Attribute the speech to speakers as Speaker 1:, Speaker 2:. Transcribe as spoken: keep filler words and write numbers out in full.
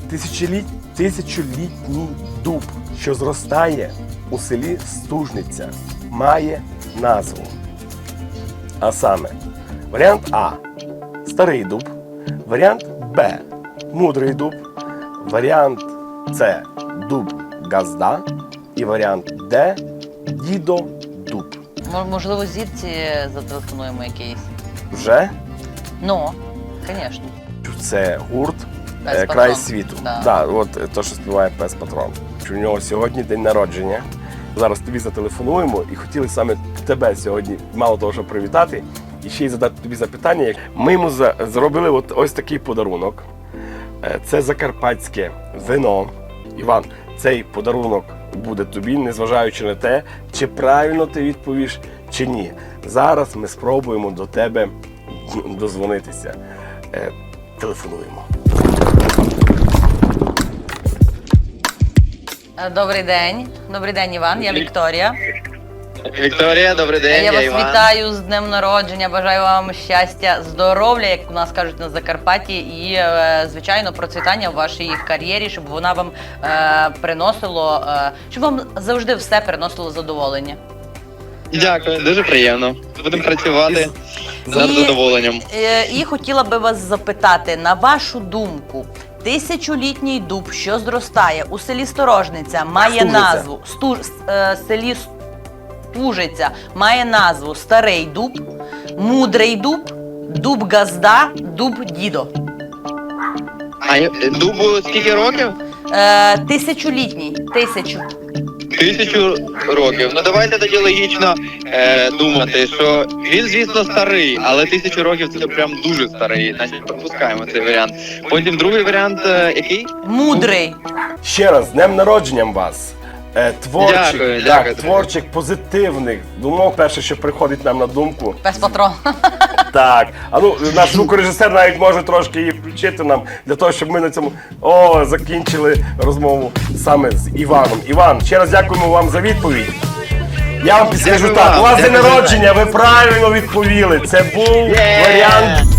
Speaker 1: Тисячоліт... Тисячолітній дуб, що зростає у селі Стужниця, має назву. А саме, варіант А – старий дуб, варіант Б – мудрий дуб, варіант С – дуб Газда і варіант Д – дідо дуб.
Speaker 2: М- Можливо, зірці зателефонуємо якийсь.
Speaker 1: Вже?
Speaker 2: Ну, звісно.
Speaker 1: Це гурт
Speaker 2: Пес
Speaker 1: е,
Speaker 2: Патрон.
Speaker 1: «Край світу».
Speaker 2: Да.
Speaker 1: Да, от е, то, що співає Пес Патрон. У нього сьогодні день народження. Зараз тобі зателефонуємо і хотіли саме тебе сьогодні, мало того, що привітати, і ще й задати тобі запитання. Ми йому за- зробили от ось такий подарунок. Е, Це закарпатське вино. Іван, цей подарунок буде тобі, незважаючи на те, чи правильно ти відповіш, чи ні. Зараз ми спробуємо до тебе дозвонитися. Е, Телефонуємо.
Speaker 2: Е, Добрий день. Добрий день, Іван. Я Вікторія.
Speaker 3: Вікторія, добрий день,
Speaker 2: Я
Speaker 3: я
Speaker 2: вас
Speaker 3: Іван.
Speaker 2: вітаю з днем народження. Бажаю вам щастя, здоров'я, як у нас кажуть на Закарпатті, і, е, звичайно, процвітання в вашій кар'єрі, щоб вона вам е, приносило, е, щоб вам завжди все приносило задоволення.
Speaker 3: Дякую, дуже приємно. Будемо працювати з
Speaker 2: І-
Speaker 3: задоволенням.
Speaker 2: Е, І хотіла би вас запитати, на вашу думку, тисячолітній дуб, що зростає у селі Сторожниця, має
Speaker 1: Стужиця.
Speaker 2: назву Сту, е, селі Стужиця має назву Старий дуб, Мудрий дуб, Дуб Газда, Дуб Дідо.
Speaker 3: А я- дубу скільки років?
Speaker 2: Е, тисячолітній, тисячу.
Speaker 3: Тисячу років. Ну давайте тоді логічно е, думати, що він, звісно, старий, але тисячу років це прям дуже старий. Значить, пропускаємо цей варіант. Потім другий варіант, е, який?
Speaker 2: Мудрий.
Speaker 1: Ще раз, з днем народженням вас. Е, Творчих,
Speaker 3: Дякую,
Speaker 1: так,
Speaker 3: дякую.
Speaker 1: творчих, позитивних думок, перше, що приходить нам на думку.
Speaker 2: Пес Патрон.
Speaker 1: Так, а ну, наш звукорежисер навіть може трошки її включити нам, для того, щоб ми на цьому о, закінчили розмову саме з Іваном. Іван, ще раз дякуємо вам за відповідь. Я вам підскажу
Speaker 3: Дякую
Speaker 1: так,
Speaker 3: вам,
Speaker 1: у вас день
Speaker 3: дякую за
Speaker 1: народження, ви правильно відповіли. Це був
Speaker 3: Є!
Speaker 1: варіант